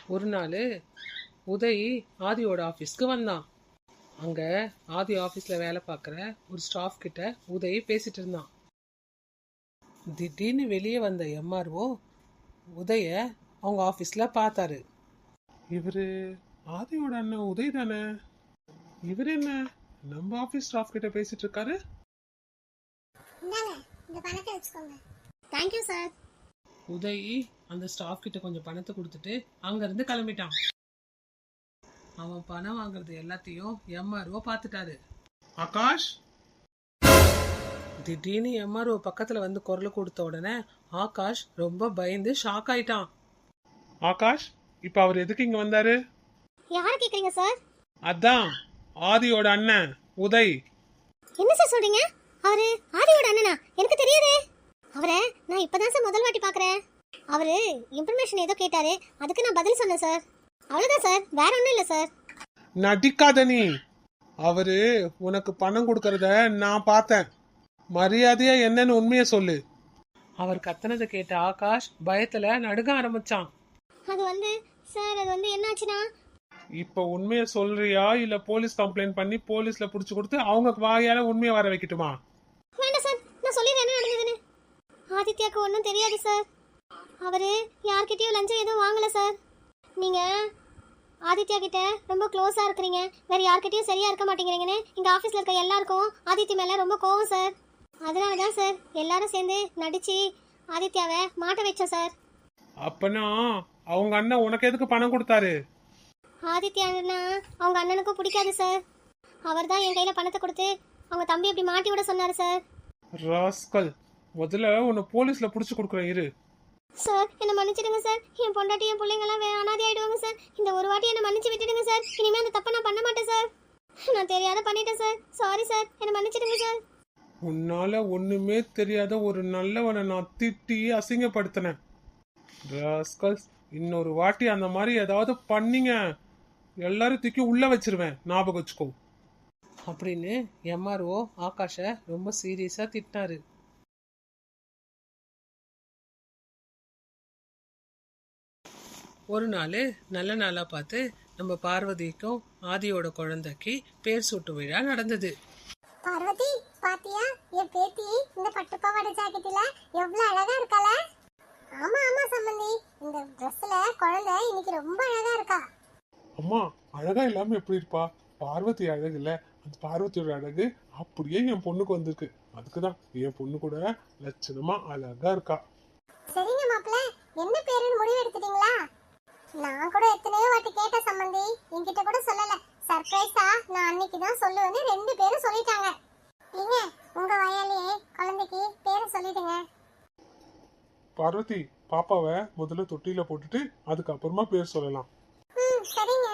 ஒரு நாள் உதய் ஆதியோட ஆஃபீஸ்க்கு வந்தான். அங்கே ஆதி ஆஃபீஸில் வேலை பார்க்குற ஒரு ஸ்டாஃப் கிட்ட உதய் பேசிட்டு இருந்தான். திடீர்னு வெளியே வந்த எம்ஆர்ஓ உதய அவங்க ஆஃபீஸில் பார்த்தாரு. இவர் ஆதியோட அண்ணன் உதய் தானே? இவர் என்ன நம்ம ஆஃபீஸ் ஸ்டாஃப் கிட்ட பேசிட்டு இருக்காரு? Thank you sir. உதய் அந்த ஸ்டாஃப் கிட்ட கொஞ்சம் பணத்தை கொடுத்துட்டு அங்கேருந்து கிளம்பிட்டான். அவன் பணம் வாங்குறது எல்லாத்தையும் எம்ஆர்ஓ பார்த்துட்டாரு. ஆகாஷ்! திடீர்னு எம்ஆர்ஓ பக்கத்தில் வந்து குரல் கொடுத்த உடனே ஆகாஷ் ரொம்ப பயந்து ஷாக் ஆயிட்டான். ஆகாஷ், இப்போ அவர் எதுக்கு இங்கே வந்தாரு? யாரை கேக்குறீங்க சார்? அதான் ஆதியோட அண்ணன் உதய். என்ன சார் சொல்றீங்க? அவரு ஆதியோட அண்ணனா? எனக்கு தெரியாதே. அவரை நான் இப்பதான் சார் முதல் வாட்டி பார்க்கறேன். அவரு இன்ஃபர்மேஷன் ஏதோ கேட்டாரு, அதுக்கு நான் பதில் சொன்னேன் சார். அவ்வளவுதான் சார், வேற ஒன்றும் இல்லை சார். நடிக்காத நீ. அவரு உனக்கு பணம் கொடுக்கறத நான் பார்த்தேன். மரியாதையா என்னன்னு உண்மையை சொல்லு. அவர் கத்தனதை கேட்ட ஆகாஷ் பயத்துல நடுங்க ஆரம்பிச்சான். அது வந்து சார், அது வந்து என்னாச்சுன்னா, இப்ப உண்மையை சொல்றியா இல்ல போலீஸ் கம்ப்ளைண்ட் பண்ணி போலீஸ்ல புடிச்சு கொடுத்து அவங்க வாயால உண்மையை வர வைக்கட்டுமா? வேண்டாம் சார், நான் சொல்லிடுறேன் என்ன நடந்ததுன்னு. ஆதித்யாவுக்கு ஒன்றும் தெரியாது சார். அவரு யார்கிட்டயும் லஞ்சம் எதுவும் வாங்கல சார். நீங்க ஆதித்யா கிட்ட ரொம்ப க்ளோஸா இருக்கிறீங்க, வேற யார்கிட்டயும் சரியா இருக்க மாட்டேங்கிறீங்கன்னு இங்க ஆபீஸ்ல இருக்க எல்லாருக்கும் ஆதித்யா மேல ரொம்ப கோவம் சார். அதனாலதான் சார் எல்லாரும் சேர்ந்து நடிச்சு ஆதித்யாவை மாட்ட வச்சோம் சார். அப்பனா அவங்க அண்ணன் உனக்கு எதுக்கு பணம் கொடுத்தாரு? ஆதித்யானா அவங்க அண்ணனுக்கும் பிடிக்காது சார். அவர் தான் என் கையில பணத்தை கொடுத்து அவங்க தம்பி அப்படி மாட்டி விட சொன்னாரு சார். ராஸ்கல், முதல்ல உன்னை போலீஸ்ல புடிச்சு கொடுக்குறேன் இரு. சார் என்ன மன்னிச்சிடுங்க சார். என் பொண்டாட்டி என் பிள்ளைங்க எல்லாம் அனாதை ஆயிடுவாங்க சார். இந்த ஒரு வாட்டி என்ன மன்னிச்சு விட்டுடுங்க சார். இனிமே அந்த தப்பை நான் பண்ண மாட்டேன் சார். நான் தெரியாத பண்ணிட்டேன் சார். சாரி சார், என்ன மன்னிச்சிடுங்க சார். உன்னால ஒண்ணுமே தெரியாத ஒரு நல்லவனை நான் திட்டி அசிங்கப்படுத்தினேன். ராஸ்கல்ஸ், இன்னொரு வாட்டி அந்த மாதிரி ஏதாவது பண்ணீங்க எல்லாரும் தூக்கி உள்ள வச்சிருவேன், ஞாபகம் வச்சுக்கோ அப்படின்னு எம்ஆர்ஓ ஆகாஷ ரொம்ப சீரியஸா திட்டினாரு. ஒரு நாள் நல்ல நாளா பார்த்து நம்ம பார்வதிக்கும் ஆதியோட குழந்தைக்கு பேர் சூட்டு விழா நடந்தது. பார்வதி, பாத்தியா என் பேத்தி இந்த பட்டு பாவாடை ஜாக்கெட்ல எவ்வளவு அழகா இருக்கால? ஆமா ஆமா சம்பந்தி, இந்த ட்ரெஸ்ல குழந்தை இன்னைக்கு ரொம்ப அழகா இருக்கா. அம்மா, அழகா இல்லாம எப்படி இருப்பா? பார்வதி அழகு இல்ல, அந்த பார்வதியோட அழகு அப்படியே என் பொண்ணுக்கு வந்திருக்கு. அதுக்குதான் என் பொண்ணு கூட லட்சணமா அழகா இருக்கா. சரிங்க மாப்பிள்ள, என்ன பேருன்னு முடிவு எடுத்துட்டீங்களா? நான் கூட எத்தனையோ வாட்டி கேட்ட சம்பந்தி, என்கிட்ட கூட சொல்லல. சர்ப்ரைஸா நான் அன்னைக்கு தான் சொல்லுவேன்னு 2 பேரும் சொல்லிட்டாங்க. நீங்க உங்க வயலையே குழந்தைக்கு பேரை சொல்லிடுங்க. பார்வதி, பாப்பாவை முதல்ல தொட்டில போட்டுட்டு அதுக்கப்புறமா பேர் சொல்லலாம். சரிங்க.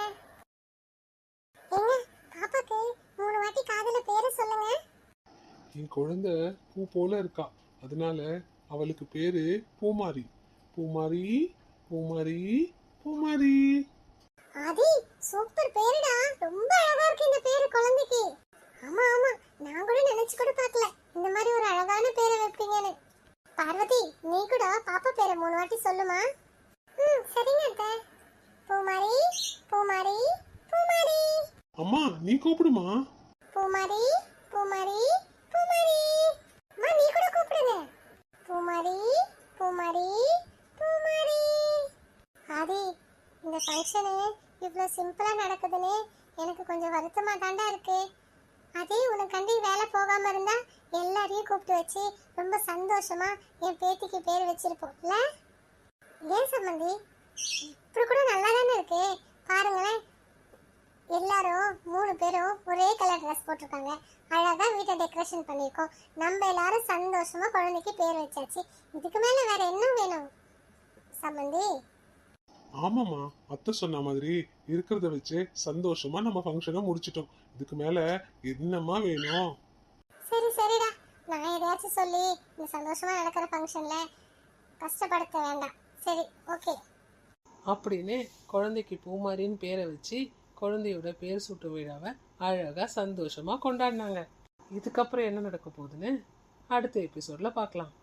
ஏங்க, பாப்பாக்கு 3 வாட்டி காதுல பேரை சொல்லுங்க. என் குழந்தை பூ போல இருக்கா, அதனால அவளுக்கு பேரு பூமாரி. பூமாரி பூமாரி பூமாரி. ஆதி, சூப்பர் பேருடா. ரொம்ப அழகா இருக்கு இந்த பேரு குழந்தைக்கு. ஆமா ஆமா, நான் கூட நினைச்சு கூட பார்க்கல இந்த மாதிரி ஒரு அழகான பேரை வைப்பீங்கன்னு. பார்வதி, நீ கூட பாப்பா பேரை 3 வாட்டி சொல்லுமா? சரிங்க அத்தை. பூமாரி பூமாரி பூமாரி. அம்மா, நீ கூப்பிடுமா. பூமாரி பூமாரி பூமாரி. அம்மா, நீ கூட கூப்பிடுங்க. பூமாரி பூமாரி பூமாரி. ஆதி, இந்த ஃபங்க்ஷனு இவ்வளோ சிம்பிளா நடக்குதுன்னு எனக்கு கொஞ்சம் வருத்தமா தாண்டா இருக்கு. அதே உனக்காண்டி வேலை போகாம இருந்தா எல்லாரையும் கூப்பிட்டு வச்சு ரொம்ப சந்தோஷமா என் பேத்திக்கு பேர் வச்சிருப்போம்ல. ஏன் சம்பந்தி, இப்படி கூட நல்லா தானே இருக்கு. பாருங்களேன், எல்லாரும் 3 பேரும் ஒரே கலர் ட்ரெஸ் போட்டிருக்காங்க. அழகா வீட்டை டெக்கரேஷன் பண்ணியிருக்கோம். நம்ம எல்லாரும் சந்தோஷமா குழந்தைக்கு பேர் வச்சாச்சு. இதுக்கு மேல வேற என்ன வேணும் சம்பந்தி? ஆமாம்மா, அத்தை சொன்ன மாதிரி இருக்கிறத வச்சு சந்தோஷமா நம்ம ஃபங்க்ஷனை முடிச்சிட்டோம். இதுக்கு மேல என்னம்மா வேணும்? சரி சரிடா, நான் எதையாச்சும் சொல்லி இந்த சந்தோஷமா நடக்கிற ஃபங்க்ஷன்ல கஷ்டப்படுத்த வேண்டாம். சரி, ஓகே அப்படின்னு குழந்தைக்கு பூமாரின்னு பேரை வச்சு குழந்தையோட பேர் சூட்டு விழாவை அழகா சந்தோஷமா கொண்டாடினாங்க. இதுக்கப்புறம் என்ன நடக்க போகுதுன்னு அடுத்த எபிசோட்ல பார்க்கலாம்.